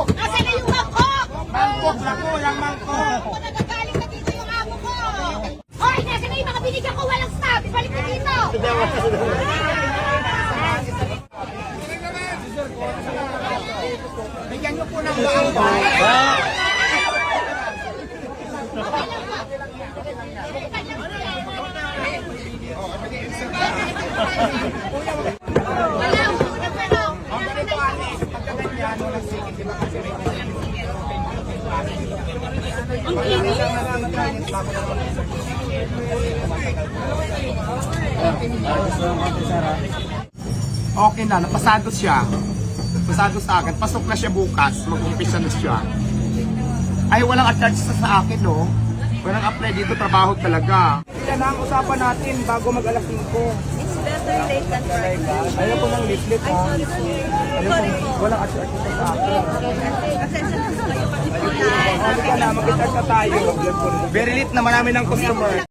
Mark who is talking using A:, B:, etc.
A: Asan na yung mangkok?
B: Mangkok na po, yung mangkok.
A: Ako nagagaling na dito yung amo ko. Hoy, nasa na yung mga binigyan ko walang stop. Balik na dito.
B: Bigyan niyo po ng baang.
A: Wala, una pero. Ang kinis.
B: Okay na, napasado siya. Pasado sa akin. Pasok na siya bukas. Mag-umpisa na siya. Ay, walang attach sa akin, no? Walang apply dito. Trabaho talaga. Yan ang usapan natin bago mag-alas 5.
C: It's better late than sorry.
B: Ayaw ko ng leaflet, ha?
C: Sorry po. Sorry po.
B: Walang attach sa akin.
C: Pasensya na kayo kasi po na.
B: Halika na, mag-attach na tayo. Very late naman namin ng customer.